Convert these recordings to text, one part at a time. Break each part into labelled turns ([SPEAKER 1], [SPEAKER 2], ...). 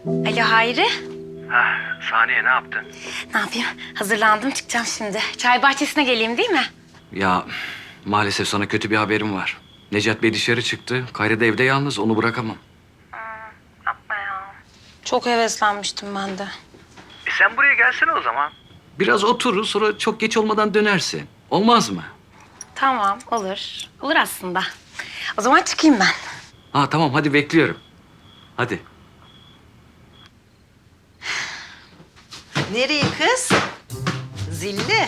[SPEAKER 1] Alo Hayri.
[SPEAKER 2] Saniye ne yaptın?
[SPEAKER 1] Ne yapayım? Hazırlandım, çıkacağım şimdi. Çay bahçesine geleyim değil mi?
[SPEAKER 2] Ya maalesef sana kötü bir haberim var. Necat Bey dışarı çıktı. Kayra da evde yalnız. Onu bırakamam.
[SPEAKER 1] Yapma ya. Çok heveslenmiştim ben de.
[SPEAKER 2] Sen buraya gelsene o zaman. Biraz oturur sonra çok geç olmadan dönersin. Olmaz mı?
[SPEAKER 1] Tamam, olur. Olur aslında. O zaman çıkayım ben.
[SPEAKER 2] Ha tamam hadi bekliyorum. Hadi.
[SPEAKER 3] Nereye kız? Zilli.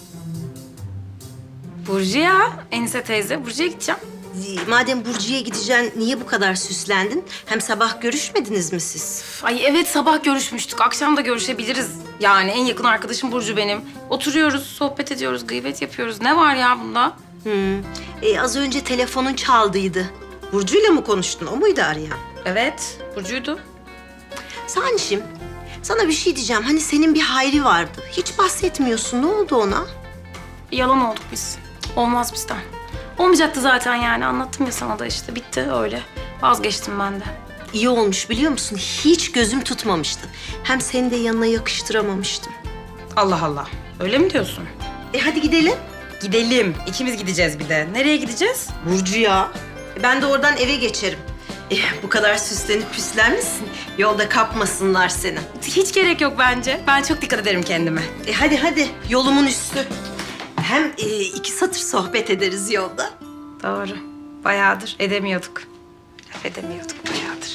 [SPEAKER 1] Burcu ya, Enise teyze. Burcu'ya gideceğim.
[SPEAKER 3] Madem Burcu'ya gideceksin, niye bu kadar süslendin? Hem sabah görüşmediniz mi siz?
[SPEAKER 1] Ay evet, sabah görüşmüştük. Akşam da görüşebiliriz. Yani en yakın arkadaşım Burcu benim. Oturuyoruz, sohbet ediyoruz, gıybet yapıyoruz. Ne var ya bunda?
[SPEAKER 3] Az önce telefonun çaldıydı. Burcu'yla mı konuştun? O muydu arayan?
[SPEAKER 1] Evet, Burcu'ydu.
[SPEAKER 3] Sanişim, sana bir şey diyeceğim. Hani senin bir Hayri vardı. Hiç bahsetmiyorsun. Ne oldu ona?
[SPEAKER 1] Yalan olduk biz. Olmaz bizden. Olmayacaktı zaten yani. Anlattım ya sana da işte. Bitti öyle. Vazgeçtim ben de.
[SPEAKER 3] İyi olmuş biliyor musun? Hiç gözüm tutmamıştı. Hem seni de yanına yakıştıramamıştım.
[SPEAKER 1] Allah Allah. Öyle mi diyorsun?
[SPEAKER 3] Hadi gidelim.
[SPEAKER 1] Gidelim. İkimiz gideceğiz bir de. Nereye gideceğiz?
[SPEAKER 3] Burcu'ya. Ben de oradan eve geçerim. Bu kadar süslenip püslenmişsin. Yolda kapmasınlar seni.
[SPEAKER 1] Hiç gerek yok bence. Ben çok dikkat ederim kendime.
[SPEAKER 3] Hadi yolumun üstü. Hem iki satır sohbet ederiz yolda.
[SPEAKER 1] Doğru. Bayağıdır edemiyorduk. Laf edemiyorduk bayağıdır.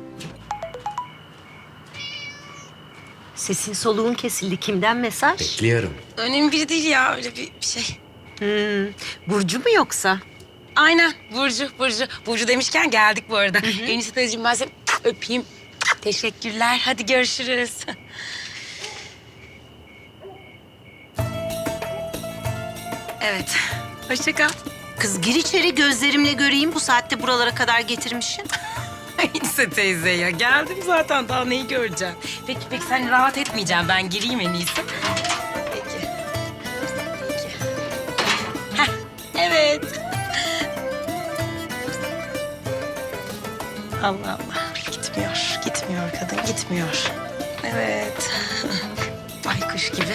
[SPEAKER 3] Sesin soluğun kesildi. Kimden mesaj?
[SPEAKER 2] Bekliyorum.
[SPEAKER 1] Önemli biri değil ya. Öyle bir şey.
[SPEAKER 3] Burcu mu yoksa?
[SPEAKER 1] Aynen. Burcu. Burcu demişken geldik bu arada. Enise teyzeciğim ben seni öpeyim. Teşekkürler. Hadi görüşürüz. Evet. Hoşça kal.
[SPEAKER 3] Kız gir içeri gözlerimle göreyim. Bu saatte buralara kadar getirmişsin.
[SPEAKER 1] Enise teyze ya. Geldim zaten. Daha neyi göreceğim? Peki sen rahat etmeyeceğim. Ben gireyim en iyisi. Peki. Heh, evet. Allah Allah. Gitmiyor kadın. Gitmiyor. Evet. Baykuş gibi.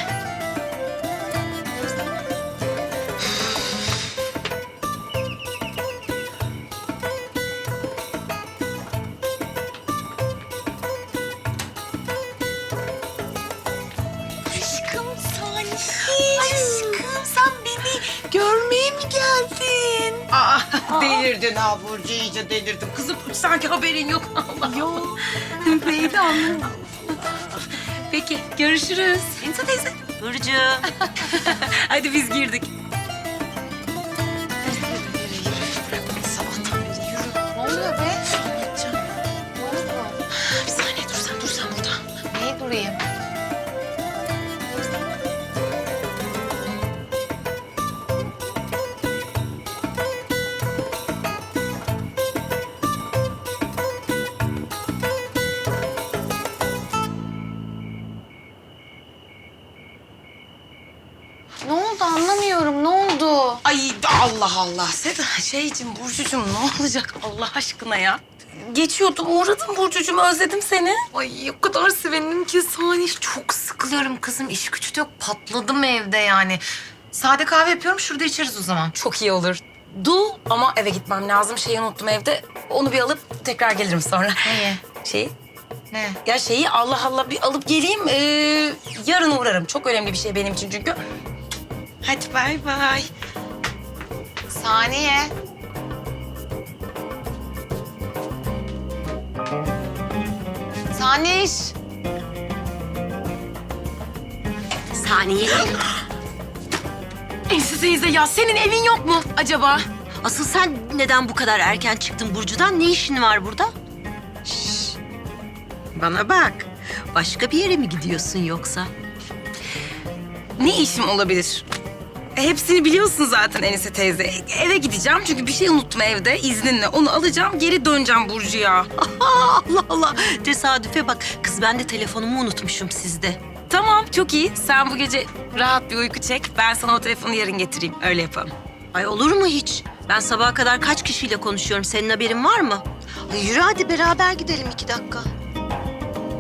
[SPEAKER 1] Aşkım Salih. Aşkım sen beni görmeye mi geldin?
[SPEAKER 4] Aa, delirdin ha Burcu, iyice delirdin. Kızım
[SPEAKER 1] Sanki haberin yok. Allah.
[SPEAKER 4] yok. Neydi anlamadım.
[SPEAKER 1] Peki görüşürüz.
[SPEAKER 3] Enise teyze. Burcu.
[SPEAKER 1] Hadi biz girdik.
[SPEAKER 4] Sabahtan beri yürü. Ne oluyor be?
[SPEAKER 1] Bir saniye dur sen burada.
[SPEAKER 4] Neye durayım? Ne oldu anlamıyorum. Ne oldu?
[SPEAKER 1] Ay Allah Allah. Seda Burcucuğum ne olacak Allah aşkına ya? Geçiyordum uğradım Burcucuğum özledim seni.
[SPEAKER 4] Ay o kadar sevindim ki Salih. Çok sıkılıyorum kızım. İş gücü de yok. Patladım evde yani. Sade kahve yapıyorum. Şurada içeriz o zaman.
[SPEAKER 1] Çok iyi olur. Ama eve gitmem lazım. Şeyi unuttum evde. Onu bir alıp tekrar gelirim sonra.
[SPEAKER 4] Neyi?
[SPEAKER 1] Şeyi?
[SPEAKER 4] Ne?
[SPEAKER 1] Ya şeyi Allah Allah bir alıp geleyim. Yarın uğrarım. Çok önemli bir şey benim için çünkü. Hadi bay bay.
[SPEAKER 4] Saniye. Saniye.
[SPEAKER 3] Saniye.
[SPEAKER 1] Enise teyze ya senin evin yok mu acaba?
[SPEAKER 3] Asıl sen neden bu kadar erken çıktın Burcu'dan? Ne işin var burada? Bana bak. Başka bir yere mi gidiyorsun yoksa?
[SPEAKER 1] Ne işim olabilir? Hepsini biliyorsun zaten Enise teyze. Eve gideceğim çünkü bir şey unuttum evde izninle. Onu alacağım geri döneceğim Burcu'ya.
[SPEAKER 3] Allah Allah. Tesadüfe bak. Kız ben de telefonumu unutmuşum sizde.
[SPEAKER 1] Tamam çok iyi. Sen bu gece rahat bir uyku çek. Ben sana o telefonu yarın getireyim. Öyle yapalım.
[SPEAKER 3] Ay olur mu hiç? Ben sabaha kadar kaç kişiyle konuşuyorum. Senin haberin var mı? Ay yürü hadi beraber gidelim 2 dakika.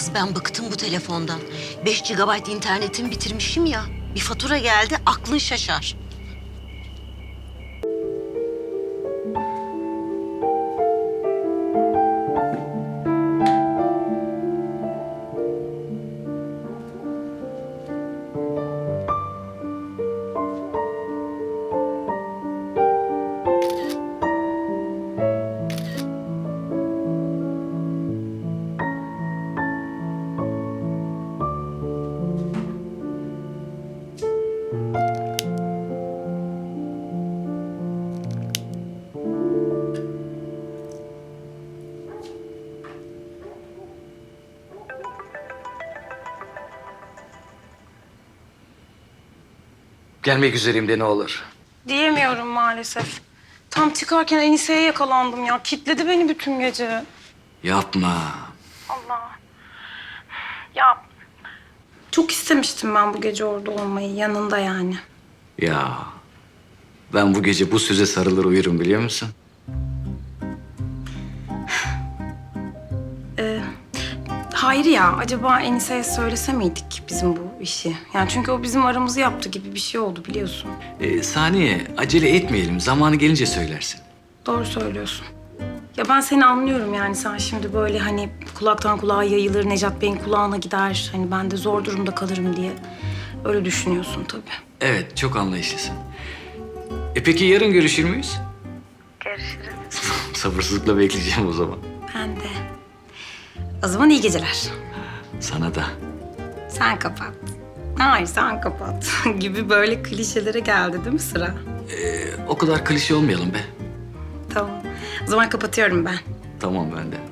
[SPEAKER 3] Kız ben bıktım bu telefondan. 5 GB internetim bitirmişim ya. Bir fatura geldi aklın şaşar.
[SPEAKER 2] Gelmek üzereyim de ne olur.
[SPEAKER 1] Diyemiyorum maalesef. Tam çıkarken Enise'ye yakalandım ya. Kitledi beni bütün gece.
[SPEAKER 2] Yapma.
[SPEAKER 1] Allah. Ya çok istemiştim ben bu gece orada olmayı. Yanında yani.
[SPEAKER 2] Ya ben bu gece bu söze sarılır uyurum biliyor musun?
[SPEAKER 1] Hayır ya. Acaba Enise'ye söylese miydik bizim bu işi? Yani çünkü o bizim aramızı yaptı gibi bir şey oldu biliyorsun.
[SPEAKER 2] Saniye acele etmeyelim. Zamanı gelince söylersin.
[SPEAKER 1] Doğru söylüyorsun. Ya ben seni anlıyorum yani sen şimdi böyle hani kulaktan kulağa yayılır, Necat Bey'in kulağına gider. Hani ben de zor durumda kalırım diye öyle düşünüyorsun tabii.
[SPEAKER 2] Evet çok anlayışlısın. Peki yarın görüşür müyüz?
[SPEAKER 1] Görüşürüz.
[SPEAKER 2] Sabırsızlıkla bekleyeceğim o zaman.
[SPEAKER 1] Ben de. O zaman iyi geceler.
[SPEAKER 2] Sana da.
[SPEAKER 1] Sen kapat. Hayır sen kapat gibi böyle klişelere geldi değil mi sıra?
[SPEAKER 2] O kadar klişe olmayalım be.
[SPEAKER 1] Tamam. O zaman kapatıyorum ben.
[SPEAKER 2] Tamam ben de.